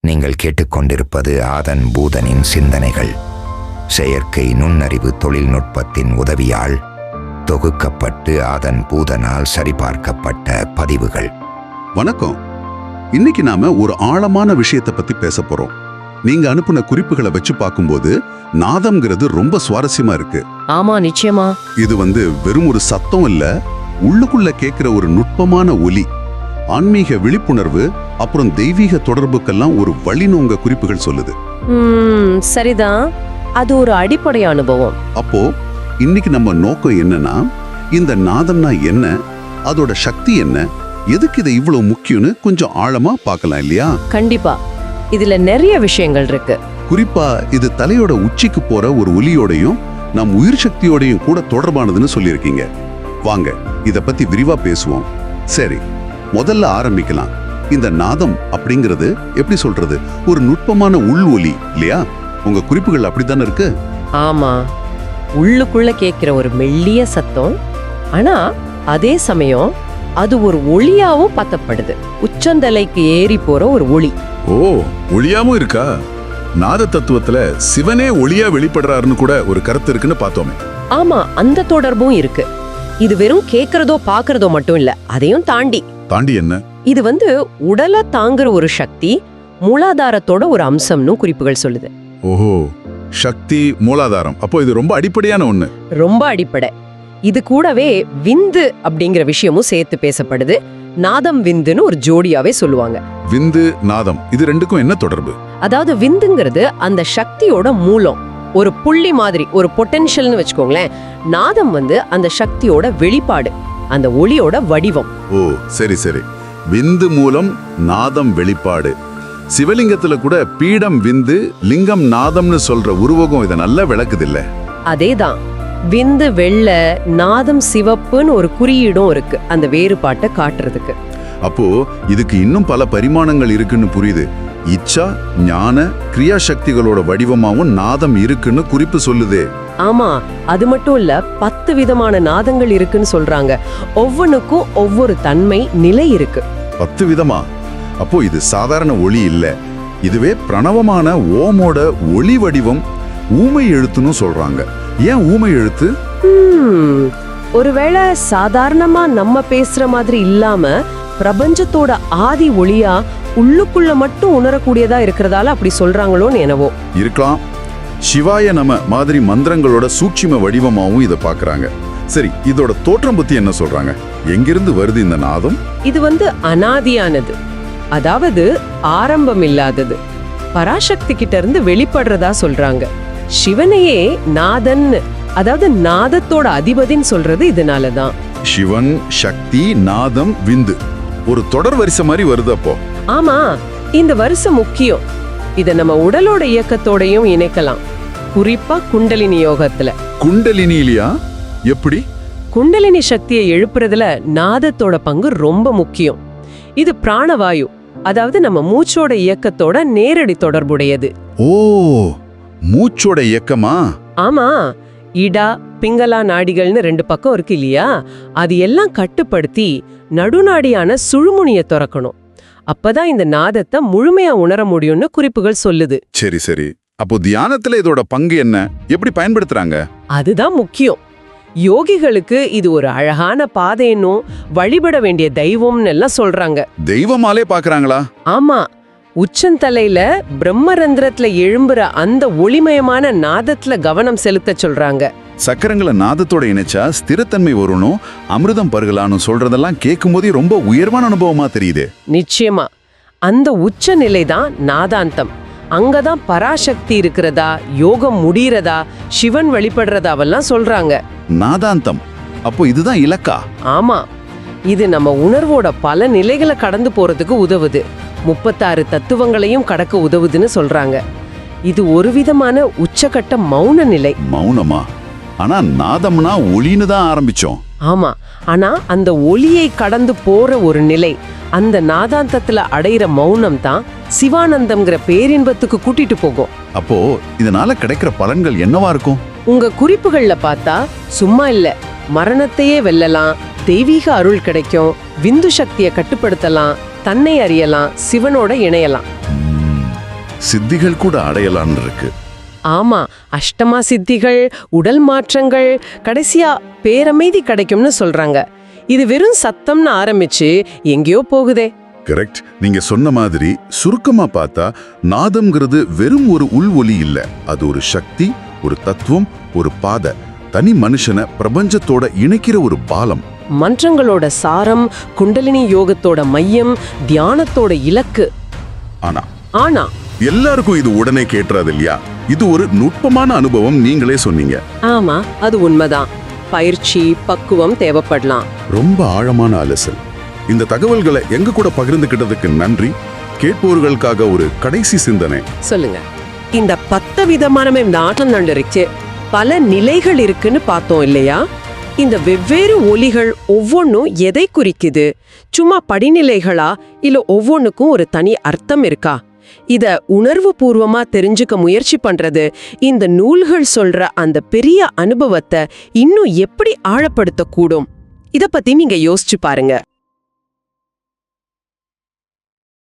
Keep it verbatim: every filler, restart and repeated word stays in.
நீங்கள் கேட்டுக்கொண்டிருப்பது ஆதன் பூதனின் சிந்தனைகள். செயற்கை நுண்ணறிவு தொழில்நுட்பத்தின் உதவியால் தொகுக்கப்பட்டு ஆதன் பூதனால் சரிபார்க்கப்பட்ட பதிவுகள். வணக்கம். இன்னைக்கு நாம ஒரு ஆழமான விஷயத்தை பத்தி பேச போறோம். நீங்க அனுப்புன குறிப்புகளை வச்சு பார்க்கும்போது நாதம்ங்கிறது ரொம்ப சுவாரஸ்யமா இருக்கு. ஆமா, நிச்சயமா. இது வந்து வெறும் ஒரு சத்தம் இல்ல, உள்ளுக்குள்ள கேட்கிற ஒரு நுட்பமான ஒலி, ஆன்மீக விழிப்புணர்வு, அப்புறம் தெய்வீக தொடர்புக்கெல்லாம் ஒரு வழின்னு உங்க குறிப்புகள் சொல்லுது. ம், சரிதான். அது ஒரு அடிப்படை அனுபவம். அப்போ இன்னைக்கு நம்ம நோக்கம் என்னன்னா, இந்த நாதம்னா என்ன, அதோட சக்தி என்ன, எதுக்கு இது இவ்வளவு முக்கியம்னு கொஞ்சம் ஆழமா பார்க்கலாம் இல்லையா? கண்டிப்பா. இதுல நிறைய விஷயங்கள் இருக்கு. குறிப்பா இது தலையோட உச்சிக்கு போற ஒரு ஒலியோடையும் நம் உயிர் சக்தியோடையும் கூட தொடர்பானதுன்னு சொல்லியிருக்கீங்க. வாங்க இத பத்தி விரிவா பேசுவோம். சரி, முதல்ல ஆரம்பிக்கலாம். இந்த நாதம் அப்படிங்கிறது எப்படி சொல்றது, ஒரு நுட்பமான உள் ஒலி இல்லையா? உங்க குறிப்புகள் அப்படித்தானே இருக்கு? ஆமா, உள்ளுக்குள்ள கேட்கிற ஒரு மெல்லிய சத்தம். ஆனா அதே சமயம் அது ஒரு ஒளியாவும் பத்தப்படுது. உச்சந்தலைக்கு ஏறி போற ஒரு ஒளி. ஓ, ஒளியாவும் இருக்கா? நாத தத்துவத்துல சிவனே ஒளியா வெளிப்படுறாருன்னு கூட ஒரு கருத்து இருக்குன்னு பார்த்தோமே. ஆமா, அந்த தொடர்பும் இருக்கு. இது வெறும் கேக்குறதோ பாக்குறதோ மட்டும் இல்ல, அதையும் தாண்டி தாண்டி என்ன? இது வந்து உடலை தாங்குற ஒரு சக்தி, மூலாதாரத்தோட ஒரு அம்சம்னு குறிப்புகள் சொல்லுது. ஓஹோ, சக்தி மூலாதாரம். அப்போ இது ரொம்ப அடிப்படையான ஒண்ணு. ரொம்ப அடிப்படை. இது கூடவே விந்து அப்படிங்கிற விஷயமும் சேர்த்து பேசப்படுது. நாதம் விந்துன்னு ஒரு ஜோடியாவே சொல்லுவாங்க. விந்து நாதம், இது ரெண்டுக்கும் என்ன தொடர்பு? அதாவது விந்துங்கிறது அந்த சக்தியோட மூலம், ஒரு புள்ளி மாதிரி, ஒரு பொட்டென்ஷியல்னு வச்சுக்கோங்களேன். நாதம் வந்து அந்த சக்தியோட வெளிப்பாடு, அந்த ஒளியோட வடிவம். ஓ, சரி சரி. விந்து மூலம் நாதம் வெளிப்பாடு. சிவலிங்கத்துல கூட பீடம் விந்து, லிங்கம் நாதம்னு சொல்ற உருவகம் இதை நல்லா விளக்குது இல்ல? அதேதான். விந்து வெள்ளை, நாதம் சிவப்புன்னு ஒரு குறியீடும் இருக்கு, அந்த வேறுபாட்டை காட்டுறதுக்கு. அப்போ இதுக்கு இன்னும் பல பரிமாணங்கள் இருக்குன்னு புரியுது. இச்சா, ஞான, கிரியா சக்திகளோட வடிவமாவும் நாதம் இருக்குன்னு குறிப்பு சொல்லுதே. ஆமா, அது மட்டும் இல்ல, பத்து விதமான நாதங்கள் இருக்குன்னு சொல்றாங்க. ஒவ்வொன்றுக்கும் ஒவ்வொரு தன்மை, நிலை இருக்கு. பத்து விதமா? அப்போ இது சாதாரண ஒளி இல்ல, இதுவே பிரணவமான ஓமோட ஒளி வடிவம். ஊமை எழுத்துன்னு சொல்றாங்க. ஏன் ஊமை எழுத்து? ஹம், ஒருவேளை சாதாரணமா நம்ம பேசுற மாதிரி இல்லாம பிரபஞ்சத்தோட ஆதி ஒளியா உள்ளுக்குள்ள மட்டும் உணரக்கூடியதா இருக்கிறதால அப்படி சொல்றாங்களோன்னு என்னவோ இருக்கலாம். சிவாய நம மாதிரி மந்திரங்களோட சூட்சும வடிவமாவும் இதை பாக்குறாங்க. சரி, இதோட தோற்றம் பத்தி என்ன சொல்றாங்க? எங்கிருந்து வருது இந்த நாதம்? இது வந்து அனாதியானது, அதாவது ஆரம்பம் இல்லாதது, பராசக்தி கிட்ட இருந்து வெளிப்படுறதா சொல்றாங்க. சிவனையே நாதன், அதாவது நாதத்தோட அதிபதின்னு சொல்றது இதனாலதான். சிவன், சக்தி, நாதம், விந்து ஒரு தொடர் வரிசை மாதிரி வருது. அப்போ ஆமா, இந்த வரிசை முக்கியம். இத நம்ம உடலோட இயக்கத்தோடையும் இணைக்கலாம், குறிப்பா குண்டலினி யோகத்துல. குண்டலினி இல்லையா? எப்படி? குண்டலினி சக்தியை எழுப்புறதுல நாதத்தோட பங்கு ரொம்ப முக்கியம். இது பிராணவாயு, அதாவது நம்ம மூச்சோட இயக்கத்தோட நேரடி தொடர்புடையது. ஓ, மூச்சோட இயக்கமா? ஆமா, இடா பிங்களா நாடிகள்னு ரெண்டு பக்கம் இருக்கு இல்லையா? அது எல்லாம் கட்டுப்படுத்தி நடுநாடியான சுழுமுனிய திறக்கணும். அப்பதான் இந்த நாதத்தை முழுமையா உணர முடியும்னு குறிப்புகள் சொல்லுது. சரி சரி. அப்போ தியானத்துல இதோட பங்கு என்ன, எப்படி பயன்படுத்துறாங்க? அதுதான் முக்கியம். யோகிகளுக்கு இது ஒரு அழகான பாதைன்னும் வழிபட வேண்டிய தெய்வம்னு எல்லாம் சொல்றாங்க. தெய்வமாலே பாக்குறாங்களா? ஆமா, உச்சந்தலையில பிரம்மரந்திரத்துல எழும்புற அந்த ஒளிமயமான நாதத்துல கவனம் செலுத்த சொல்றாங்க. சக்கரங்களை நாதத்தோட இணைச்சா ஸ்திரத்தன்மை வரணும், அமிர்தம் பருகலான்னு சொல்றதெல்லாம் கேட்கும் போதே ரொம்ப உயர்வான அனுபவமா தெரியுது. நிச்சயமா, அந்த உச்ச நிலைதான் நாதாந்தம். அங்கதான் பராசக்தி இருக்கிறதா, யோகம் முடியறதா, சிவன் வெளிப்படுறதாவெல்லாம் சொல்றாங்க. நாதாந்தம், அப்போ இதுதான் இலக்கா? ஆமா, இது நம்ம உணர்வோட பல நிலைகளை கடந்து போறதுக்கு உதவுது. முப்பத்தாறு தத்துவங்களையும் கடக்க உதவுதுன்னு சொல்றாங்க. இது ஒரு விதமான உச்சகட்ட மௌன நிலை. மௌனமா? ஆனா நாதம்னா ஒளின்னு தான் ஆரம்பிச்சோம். ஆமா, ஆனா அந்த ஒளியை கடந்து போற ஒரு நிலை, அந்த நாதாந்தத்துல அடையிற மௌனம் தான் சிவானந்தம்ங்கிற பேரின்பத்துக்கு கூட்டிட்டு போகும். அப்போ இதனால கிடைக்கிற பலன்கள் என்னவா இருக்கும்? உங்க குறிப்புகள்ல பார்த்தா சும்மா இல்ல, மரணத்தையே வெல்லலாம், தெய்வீக அருள் கிடைக்கும், விந்து சக்தியை கட்டுப்படுத்தலாம், தன்னை அறியலாம், சிவனோட இணையலாம். சித்திகள் கூட அடையலான்னு இருக்கு. ஆமா, அஷ்டமா சித்திகள், உடல் மாற்றங்கள், கடைசியா பேரமைதி கிடைக்கும்னு சொல்றாங்க. இது வெறும் சத்தம்னு ஆரம்பிச்சு எங்கேயோ போகுதே. கரெக்ட். நீங்க சொன்ன மாதிரி சுருக்கமா பார்த்தா நாதம்ங்கிறது வெறும் ஒரு உள் ஒலி இல்ல, அது ஒரு சக்தி, ஒரு தத்துவம், ஒரு பாதை, தனி மனுஷனை பிரபஞ்சத்தோட இணைக்கிற ஒரு பாலம். மன்றங்களோட சாரம், குண்டலினி யோகத்தோட மையம், தியானத்தோட இலக்கு. ஆனா ஆனா எல்லாருக்கும் இது உடனே கேட்டுறாது இல்லையா? இது ஒரு நுட்பமான அனுபவம், நீங்களே சொன்னீங்க. ஆமா, அது உண்மைதான். பயிற்சி, பக்குவம் தேவைப்படலாம். ரொம்ப ஆழமான அலசல். இந்த தகவல்களை எங்க கூட பகிர்ந்துகிட்டதுக்கு நன்றி. கேட்பவர்களுக்காக ஒரு கடைசி சிந்தனை சொல்லுங்க. இந்த பத்து விதமான நாட்டங்கள் இருக்கு, பல நிலைகள் இருக்குன்னு பார்த்தோம் இல்லையா? இந்த வெவ்வேறு ஒலிகள் ஒவ்வொன்றும் எதை குறிக்குது? சும்மா படிநிலைகளா, இல்ல ஒவ்வொன்றுக்கும் ஒரு தனி அர்த்தம் இருக்கா? இத உணர்வு பூர்வமா தெரிஞ்சுக்க முயற்சி பண்றது இந்த நூல்கள் சொல்ற அந்த பெரிய அனுபவத்தை இன்னும் எப்படி ஆழப்படுத்த கூடும்? இத பத்தி நீங்க யோசிச்சு பாருங்க.